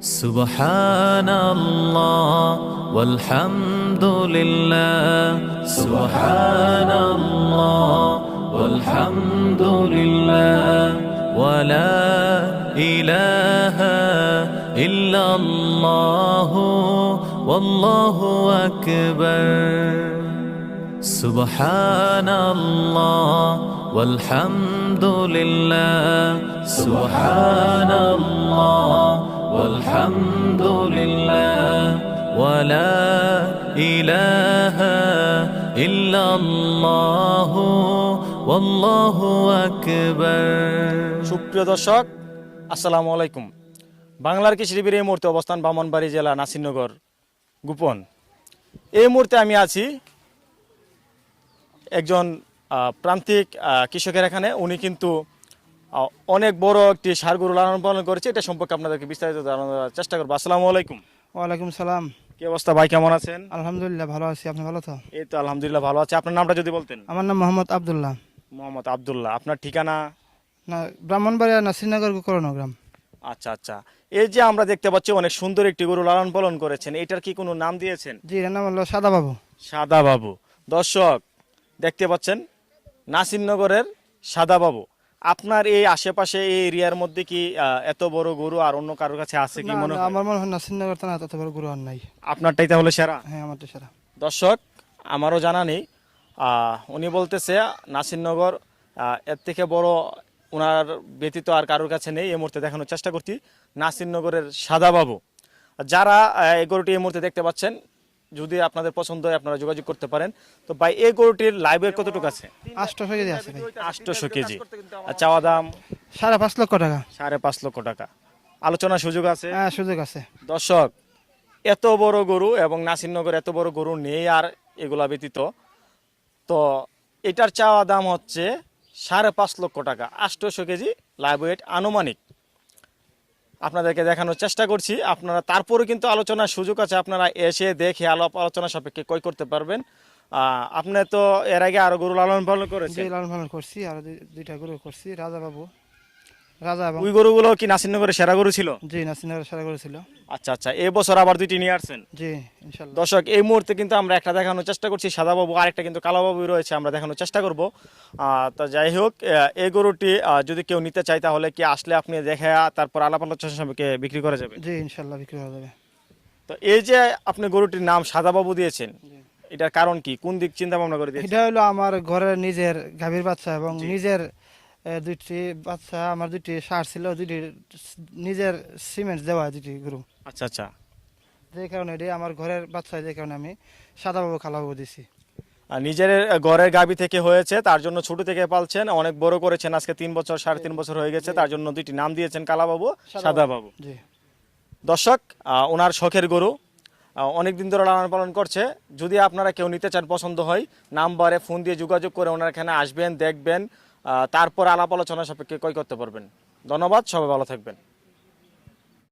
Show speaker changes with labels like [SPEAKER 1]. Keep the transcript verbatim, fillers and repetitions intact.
[SPEAKER 1] সুবহানাল্লাহ ওয়ালহামদুলিল্লাহ সুবহানাল্লাহ ওয়ালহামদুলিল্লাহ ওয়ালা ইলাহা ইল্লাল্লাহ ওয়াল্লাহু আকবার সুবহানাল্লাহ ওয়ালহামদুলিল্লাহ সুবহানাল্লাহ ওয়ালহামদুলিল্লাহ ওয়ালা ইলাহা ইল্লাল্লাহ ওয়াল্লাহু আকবার।
[SPEAKER 2] সুপ্রিয় দর্শক, আসসালামু আলাইকুম। বাংলার কৃষি টিভির এই মুহূর্তে অবস্থান ব্রাহ্মণবাড়িয়া জেলা নাসিরনগর গোপন। এই মুহূর্তে আমি আছি একজন প্রান্তিক কৃষকের এখানে। উনি কিন্তু অনেক বড় একটি ষাঁড় গরু লালন পালন করেছে। এটা সম্পর্কে আপনাদেরকে বিস্তারিত জানানোর চেষ্টা করবো। আসসালামু আলাইকুম।
[SPEAKER 3] ওয়ালাইকুম সালাম।
[SPEAKER 2] কি অবস্থা ভাই, কেমন আছেন?
[SPEAKER 3] আলহামদুলিল্লাহ ভালো আছি, আপনি ভালো তো?
[SPEAKER 2] এই তো আলহামদুলিল্লাহ ভালো আছে। আপনার নামটা যদি বলতেন।
[SPEAKER 3] আমার নাম মোহাম্মদ আব্দুল্লাহ।
[SPEAKER 2] মোহাম্মদ আব্দুল্লাহ। আপনার ঠিকানা?
[SPEAKER 3] না, ব্রাহ্মণবাড়িয়া নাসিরনগর করণগ্রাম।
[SPEAKER 2] আচ্ছা আচ্ছা। এই যে আমরা দেখতে পাচ্ছি অনেক সুন্দর একটি গরু লালন পালন করেছেন, এটার কি কোনো নাম দিয়েছেন?
[SPEAKER 3] জি, এর নাম হলো সাদা বাবু।
[SPEAKER 2] সাদা বাবু। দর্শক দেখতে পাচ্ছেন নাসিরনগরের সাদা বাবু। আপনার এই আশেপাশে এই এরিয়ার মধ্যে কি এত বড় গরু আর অন্য কারোর কাছে আছে কি মনে হয়?
[SPEAKER 3] আমার মনে হয় নাসিরনগর থানা এত বড় গরু আর নাই।
[SPEAKER 2] আপনারটাই তাহলে সেরা?
[SPEAKER 3] হ্যাঁ, আমারটা সেরা।
[SPEAKER 2] দর্শক, আমারও জানা নেই। উনি বলতেছে নাসিরনগর এর থেকে বড় ওনার ব্যতীত আর কারোর কাছে নেই। এই মুহূর্তে দেখানোর চেষ্টা করছি নাসিরনগরের সাদা বাবু। যারা এই গরুটি এই মুহূর্তে দেখতে পাচ্ছেন, যদি আপনাদের পছন্দ হয় আপনারা যোগাযোগ করতে পারেন। তো ভাই, এই গরুটির লাইভ ওয়েট কতটুকু আছে?
[SPEAKER 3] আটশো কেজি আছে ভাই।
[SPEAKER 2] আটশো কেজি। চাওয়া দাম
[SPEAKER 3] সাড়ে পাঁচ লক্ষ টাকা।
[SPEAKER 2] সাড়ে পাঁচ লক্ষ টাকা। আলোচনার সুযোগ আছে?
[SPEAKER 3] হ্যাঁ, সুযোগ আছে।
[SPEAKER 2] দর্শক, এত বড় গরু এবং নাসিরনগর এত বড় গরু নেই আর এগুলা ব্যতীত। তো এটার চাওয়া দাম হচ্ছে সাড়ে পাঁচ লক্ষ টাকা। আটশো কেজি লাইভ ওয়েট আনুমানিক আপনাদেরকে দেখানোর চেষ্টা করছি। আপনারা তারপরে কিন্তু আলোচনার সুযোগ আছে, আপনারা এসে দেখে আলাপ আলোচনা সাপেক্ষে ক্রয় করতে পারবেন। আপনি তো এর আগে আরো গরু লালন পালন করেছেন?
[SPEAKER 3] জি, লালন পালন করছি, আর দুইটা গরু করছি। রাজা বাবু, রাজা এবং
[SPEAKER 2] ওই গরুগুলো কি নাসিরনগরের সেরা গরু ছিল?
[SPEAKER 3] জি, নাসিরনগরের সেরা গরু ছিল।
[SPEAKER 2] আচ্ছা আচ্ছা। এই বছর আবার দুইটি নিয়ে আসছেন?
[SPEAKER 3] জি, ইনশাআল্লাহ।
[SPEAKER 2] দর্শক, এই মুহূর্তে কিন্তু আমরা একটা দেখানোর চেষ্টা করছি সাদা বাবু, আর একটা কিন্তু কালো বাবু রয়েছে, আমরা দেখানোর চেষ্টা করব। তো যাই হোক, এই গরুটি যদি কেউ নিতে চায় তাহলে কি আসলে আপনি দেখে তারপর আলাপ আলোচনা সাপেক্ষে বিক্রি করা যাবে?
[SPEAKER 3] জি, ইনশাআল্লাহ বিক্রি করা যাবে।
[SPEAKER 2] তো এই যে আপনি গরুটির নাম সাদা বাবু দিয়েছেন, এটার কারণ কি? কোন দিক চিন্তা ভাবনা করে দিয়েছেন?
[SPEAKER 3] এটা হলো আমার ঘরের নিজের গাভীর বাচ্চা এবং নিজের দুইটি বাচ্চা, আমার দুইটি ষাঁড় ছিল, দুইটি নিজের সিমেন্ট দেওয়া দুইটি গরু।
[SPEAKER 2] আচ্ছা আচ্ছা।
[SPEAKER 3] যে কারণে এটি আমার ঘরের বাচ্চা, যে কারণে আমি সাদা বাবু কালো বাবু দিছি।
[SPEAKER 2] আর নিজের ঘরের গাভী থেকে হয়েছে, তার জন্য ছোট থেকে পালছেন, অনেক বড় করেছেন, আজকে তিন বছর সাড়ে তিন বছর হয়ে গেছে, তার জন্য দুইটি নাম দিয়েছেন, কালা বাবু, সাদা বাবু।
[SPEAKER 3] জি।
[SPEAKER 2] দর্শক, ওনার শখের গরু অনেকদিন ধরে লালন পালন করছে। যদি আপনারা কেউ নিতে চান, পছন্দ হয়, নাম্বারে ফোন দিয়ে যোগাযোগ করে ওনার এখানে আসবেন, দেখবেন, তারপর আলাপ আলোচনা সাপেক্ষে ক্রয় করতে পারবেন। ধন্যবাদ, সবাই ভালো থাকবেন।